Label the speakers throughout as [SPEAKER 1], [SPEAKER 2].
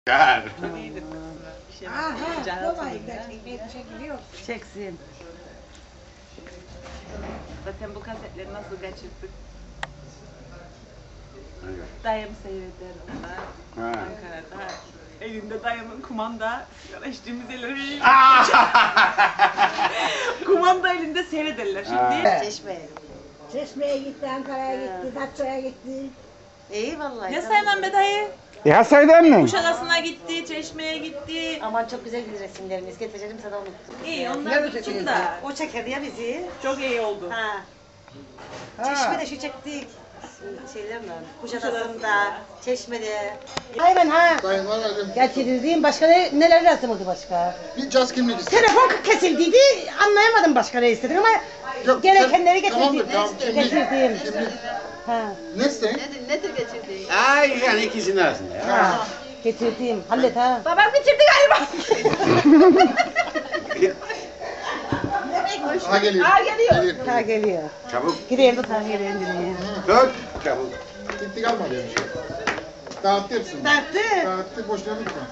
[SPEAKER 1] Gel.
[SPEAKER 2] Çeksin.
[SPEAKER 3] Zaten bu kasetleri nasıl kaçırdık? Dayım seyreder onlar. Ankara'da. Elinde dayımın kumanda, sigara içtiğimiz elleri. Kumanda elinde seyrederler şimdi.
[SPEAKER 2] Çeşmeye.
[SPEAKER 4] Çeşme'ye gitti, Ankara'ya gitti, Datça'ya gitti.
[SPEAKER 2] İyi vallahi.
[SPEAKER 3] Ne saymam be dayı?
[SPEAKER 1] Ya saydan mı?
[SPEAKER 3] Kuşadası'na gitti, Çeşme'ye gitti.
[SPEAKER 2] Aman çok güzel resimlerimiz. Getireceğim sana unuttum.
[SPEAKER 3] İyi onlar gitsin de.
[SPEAKER 2] O çekerdi ya bizi.
[SPEAKER 3] Çok iyi oldu.
[SPEAKER 2] Ha. Çeşme'de şu çektik. Şeyler mi? Kuşadası'nda, Çeşme'de. Aynen ha.
[SPEAKER 5] Dayım aradım.
[SPEAKER 2] Getirildiğim başka neler yazıldı başka?
[SPEAKER 5] Bir caz kimlik istedim.
[SPEAKER 2] Telefon kesildiydi. Anlayamadım başka ne istedim ama
[SPEAKER 5] Yok,
[SPEAKER 2] gerekenleri
[SPEAKER 5] tamam,
[SPEAKER 2] getirdim.
[SPEAKER 5] tamam, kimlik.
[SPEAKER 2] Getirdim.
[SPEAKER 5] Kimlik.
[SPEAKER 2] Ha.
[SPEAKER 5] Ne isteyin?
[SPEAKER 1] Ay yani ikisinin arasında ya.
[SPEAKER 2] Ha. Getirdim. Hallet ha.
[SPEAKER 3] Babam bitirdi galiba.
[SPEAKER 5] Ha geliyor. Geliyor.
[SPEAKER 2] Ha geliyor.
[SPEAKER 1] Çabuk.
[SPEAKER 2] Gideyim de ta geliyor indireyim.
[SPEAKER 1] Tut. Çabuk.
[SPEAKER 5] Gitti kalmadı yani. Dağıttı hepsini.
[SPEAKER 2] Dağıttı.
[SPEAKER 5] Dağıttı, boşuna bitme.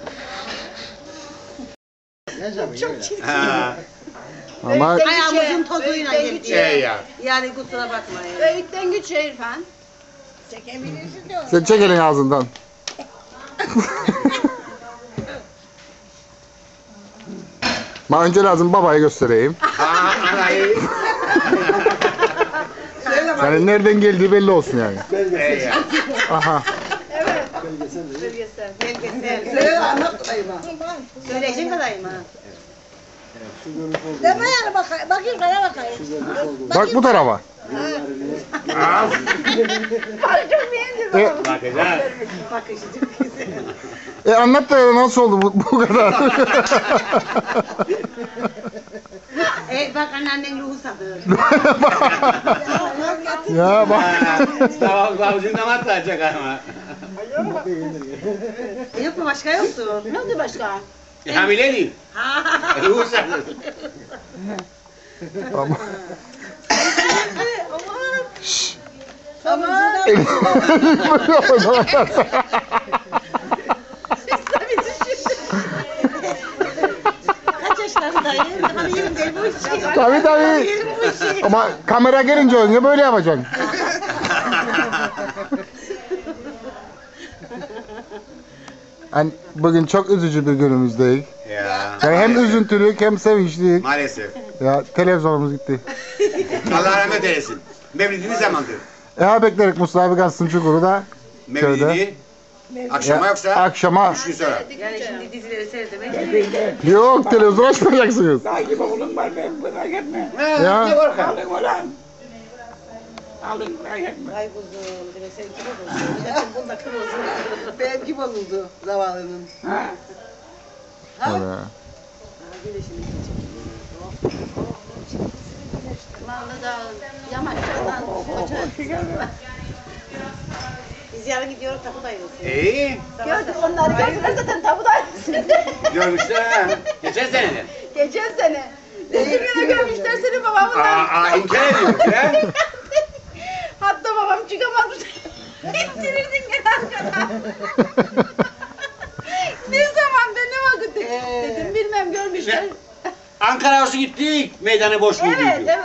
[SPEAKER 2] Çok çirkin.
[SPEAKER 1] Ha.
[SPEAKER 6] Ama
[SPEAKER 2] Ayağımızın tozuyla geldi.
[SPEAKER 1] Şey ya.
[SPEAKER 2] Yani kusura bakmayın.
[SPEAKER 6] Öğütten güç İrfan.
[SPEAKER 4] Çekebilirsin de
[SPEAKER 6] Sen çek elin ağzından. Ma önce lazım babayı göstereyim.
[SPEAKER 1] Anayı.
[SPEAKER 6] Yani nereden geldiği belli olsun yani.
[SPEAKER 1] Ya.
[SPEAKER 6] Aha.
[SPEAKER 2] Belgesel. Söyle anlat dayıma. Söyleyeceksin dayıma.
[SPEAKER 4] deme yani bakayım bana bakayım.
[SPEAKER 6] Bak bu tarafa.
[SPEAKER 1] Bakacağız.
[SPEAKER 2] Bakışı çok güzel.
[SPEAKER 6] Anlat da nasıl oldu bu kadar?
[SPEAKER 2] Bak anneannen ruhu sadır.
[SPEAKER 6] Ya bak.
[SPEAKER 1] Tamam kılavuzundan atlayacak ama.
[SPEAKER 2] Yok mu başka yoktu?
[SPEAKER 4] Ne oldu başka?
[SPEAKER 1] Hamile değil. Ruhsat.
[SPEAKER 6] Ama.
[SPEAKER 4] Aman.
[SPEAKER 2] Kaç yaşlarındayım? Daha 20 değil bu işi.
[SPEAKER 6] Tabii tabii.
[SPEAKER 2] 20 bu işi.
[SPEAKER 6] Ama kamera gelince önce böyle yapacaksın. Yani bugün çok üzücü bir günümüzdeyiz.
[SPEAKER 1] Ya.
[SPEAKER 6] Yani hem üzüntülük hem sevinçliyik.
[SPEAKER 1] Maalesef.
[SPEAKER 6] Ya televizyonumuz gitti.
[SPEAKER 1] Allah rahmet eylesin. Mevlidini zamandır.
[SPEAKER 6] Beklerik Mustafa abi kalsın çukuru da.
[SPEAKER 1] Mevlidini. Akşama yoksa
[SPEAKER 6] Akşama.
[SPEAKER 1] 3 gün sonra.
[SPEAKER 2] Yani şimdi dizileri seyretmek.
[SPEAKER 6] Yok televizyon açmayacaksınız.
[SPEAKER 1] Ha,
[SPEAKER 6] Ya.
[SPEAKER 1] ne korkan?
[SPEAKER 2] Ay kuzum, demek sen kim oldun? Zaten bunda kim oldu? Benim kim oldu zavallının?
[SPEAKER 6] Öyle. Vallahi
[SPEAKER 4] da yamaçlardan
[SPEAKER 2] Biz yarın gidiyoruz tapudayız.
[SPEAKER 1] İyi.
[SPEAKER 4] gördük onları gördüler zaten tabudayız.
[SPEAKER 1] Görmüşler ha. Geçen sene de.
[SPEAKER 4] Geçen sene. Dediğim yere görmüşler seni babamla.
[SPEAKER 1] İnkar ediyormuş ya.
[SPEAKER 4] Hatta babam çıkamamış. İttirirdin gene arkadan. Ne zaman be ne vakit? Dedim bilmem görmüşler.
[SPEAKER 1] Ankara Havası gittik. Meydanı boş bulduk.
[SPEAKER 4] Evet evet.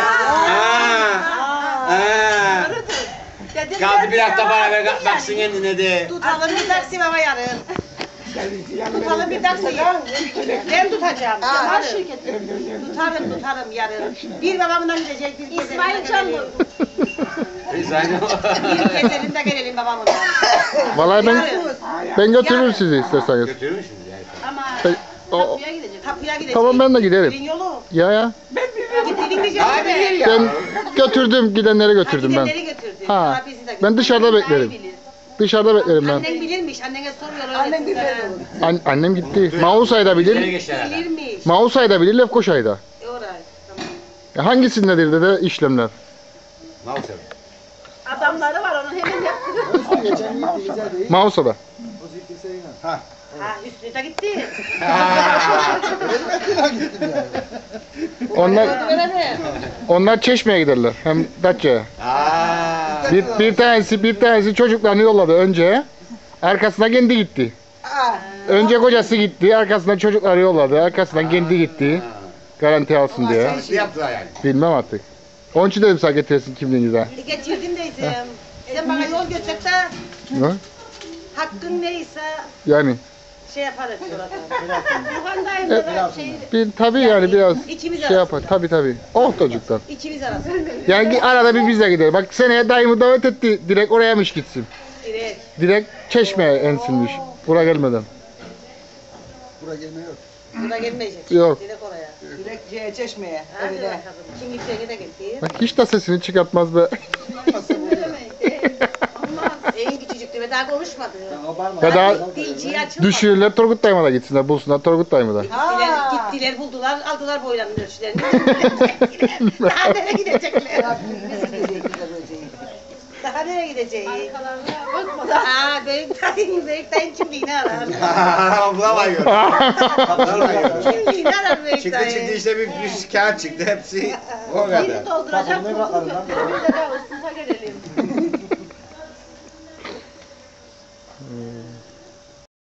[SPEAKER 4] Dedim
[SPEAKER 1] Kaldı bir hafta
[SPEAKER 4] ya,
[SPEAKER 1] bana ver
[SPEAKER 4] yani.
[SPEAKER 1] baksın kendine de.
[SPEAKER 2] Tutalım bir taksi baba yarın. Tutalım bir taksi. Ben tutacağım.
[SPEAKER 4] Var
[SPEAKER 2] Tutarım.
[SPEAKER 4] şirketi.
[SPEAKER 2] Tutarım yarın. Bir babamdan gidecek, bir
[SPEAKER 4] İsmail Canlı.
[SPEAKER 1] Biz aynı.
[SPEAKER 2] Bir gezelim de gelelim babamdan.
[SPEAKER 6] Vallahi ben götürürüm sizi isterseniz.
[SPEAKER 1] Götürür müsünüz yani?
[SPEAKER 4] Ama
[SPEAKER 6] O-
[SPEAKER 4] kapıya gidecek.
[SPEAKER 2] Tapıya gideceğiz.
[SPEAKER 6] Tamam ben de giderim.
[SPEAKER 2] Evin yolu.
[SPEAKER 6] Ya.
[SPEAKER 2] Gittiğin diyeceğim
[SPEAKER 1] Abi
[SPEAKER 2] de.
[SPEAKER 1] ya.
[SPEAKER 6] Ben götürdüm gidenleri götürdüm ben.
[SPEAKER 2] Gidenleri götürdü.
[SPEAKER 6] Ha,
[SPEAKER 2] Abisi de
[SPEAKER 6] ben dışarıda
[SPEAKER 2] götürdü.
[SPEAKER 6] beklerim.
[SPEAKER 2] Daha iyi bilir.
[SPEAKER 6] Dışarıda beklerim ben.
[SPEAKER 2] Annen bilirmiş. Annene soruyorlar. Annen bilir.
[SPEAKER 6] Annem gitti. Mausay'da
[SPEAKER 1] Nereye
[SPEAKER 6] bilir.
[SPEAKER 1] geçti herhalde?
[SPEAKER 2] Bilirmiş.
[SPEAKER 6] Mausay'da bilir, Lefkoşa'yda.
[SPEAKER 2] Orayı. Tamam.
[SPEAKER 6] Hangisindedir de işlemler?
[SPEAKER 1] Maalesef.
[SPEAKER 4] Adamları var onun hemen yaptırıyor.
[SPEAKER 6] Mausa'da.
[SPEAKER 2] Ha Hüsnü de gitti.
[SPEAKER 6] Onlar Çeşme'ye giderler. Hem Datça'ya.
[SPEAKER 1] Aa.
[SPEAKER 6] Bir tanesi çocuklarını yolladı önce. Arkasına kendi gitti. Önce kocası gitti, arkasından çocukları yolladı, arkasından kendi gitti. Garanti alsın diye.
[SPEAKER 1] Ne yaptılar yani?
[SPEAKER 6] Bilmem artık. Onun için dedim sana getirsin kimliğini de.
[SPEAKER 2] Getirdim deysem. Sen bana yol götür de
[SPEAKER 6] Ne?
[SPEAKER 2] hakkın neyse
[SPEAKER 6] Yani
[SPEAKER 2] şey yaparız burada. Yukarıdayım da
[SPEAKER 6] tabii yani biraz
[SPEAKER 2] İkimiz
[SPEAKER 6] şey yapar. Tabii. Oh çocuktan.
[SPEAKER 2] İkimiz arasında.
[SPEAKER 6] Yani arada bir biz de gidelim. Bak seneye dayımı davet etti. Direkt orayaymış gitsin.
[SPEAKER 2] Direkt.
[SPEAKER 6] Direkt Çeşme'ye ensinmiş. Buraya gelmeden.
[SPEAKER 5] Buraya gelme yok.
[SPEAKER 2] Burada gelmeyecek.
[SPEAKER 6] Yok.
[SPEAKER 2] Direkt oraya.
[SPEAKER 4] Direkt Çeşme'ye.
[SPEAKER 2] Hadi bakalım. Kim gideceğine de gitti.
[SPEAKER 6] Bak hiç de sesini çıkartmaz be.
[SPEAKER 2] En küçücüktü ve daha konuşmadı.
[SPEAKER 6] Ya da
[SPEAKER 2] Dilciyi açılmadı.
[SPEAKER 6] düşürürler Turgut dayıma da gitsinler. Bulsunlar Turgut dayımı da.
[SPEAKER 2] Gittiler buldular aldılar boylarının ölçülerini. Daha nereye gidecekler? Daha nereye gideceğiz? Aa büyük dayın kimliğini arar.
[SPEAKER 1] Bulamıyor. Bulamıyor.
[SPEAKER 2] Kimliğini arar büyük
[SPEAKER 1] Çıktı
[SPEAKER 2] dayı.
[SPEAKER 1] işte bir kağıt çıktı hepsi o kadar.
[SPEAKER 2] Bizi dolduracak.
[SPEAKER 4] Biz de üstüne gelelim.